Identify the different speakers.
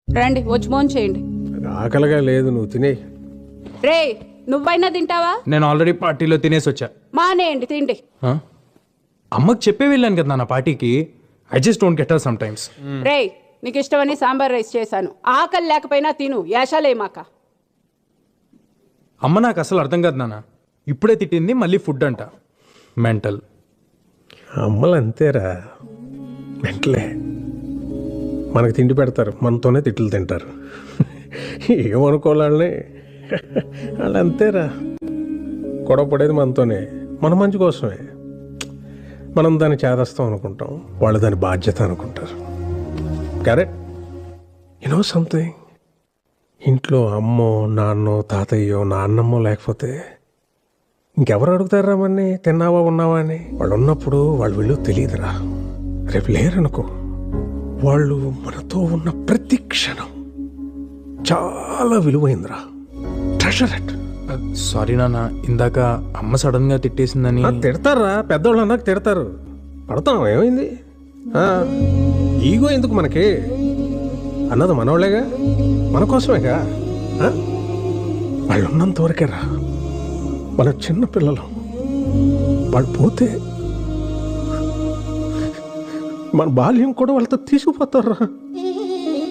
Speaker 1: రండి వచ్చి భోజనం చేయండి.
Speaker 2: ఆకలిగా లేదు, నువ్వు తినే.
Speaker 1: రే నువ్వైనా తింటావా?
Speaker 3: నేను ఆల్రెడీ పార్టీలో తినేసి వచ్చా.
Speaker 1: మానేయండి తిండి.
Speaker 3: ఆ? అమ్మకి చెప్పే వెళ్ళాను కదా నా పార్టీకి. I just don't get her sometimes.
Speaker 1: రే నీకు ఇష్టమని సాంబార్ రైస్ చేశాను, ఆకలి లేకపోయినా తిను, యాషాలేమాక.
Speaker 3: అమ్మ నాకు అసలు అర్థం కాదు నాన్న. ఇప్పుడే తిట్టింది, మళ్ళీ ఫుడ్ అంట. మెంటల్.
Speaker 2: అమ్మలు అంతేరా, వెంటలే మనకు తిండి పెడతారు, మనతోనే తిట్లు తింటారు. ఏమనుకోవాలని వాళ్ళు అంతేరా. గొడవ పడేది మనతోనే, మన మంచి కోసమే. మనం దాన్ని చేదస్తాం అనుకుంటాం, వాళ్ళు దాని బాధ్యత అనుకుంటారు. కరెక్ట్. యూనో సంథింగ్, ఇంట్లో అమ్మో నాన్నో తాతయ్యో నాన్నమ్మో లేకపోతే ఇంకెవరు అడుగుతారా మన్ని తిన్నావా ఉన్నావా అని? వాళ్ళు ఉన్నప్పుడు వాళ్ళు వీళ్ళు తెలియదురా. రేపు లేరనుకో, వాళ్ళు మనతో ఉన్న ప్రతి క్షణం చాలా విలువైందిరా. Treasure it.
Speaker 3: సారీ నాన్న, ఇందాక అమ్మ సడన్ గా తిట్టేసిందని.
Speaker 2: తిడతారా, పెద్దోళ్ళు అన్నాక తిడతారు, పడతాం. ఏమైంది? ఈగో ఎందుకు మనకి? అన్నది మనోళ్ళేగా, మన కోసమేగా. వాళ్ళు ఉన్నంత వరకేరా. వాళ్ళ చిన్న పిల్లలు, వాళ్ళు పోతే మన బాల్యం కూడా వాళ్ళతో తీసుకుపోతారా.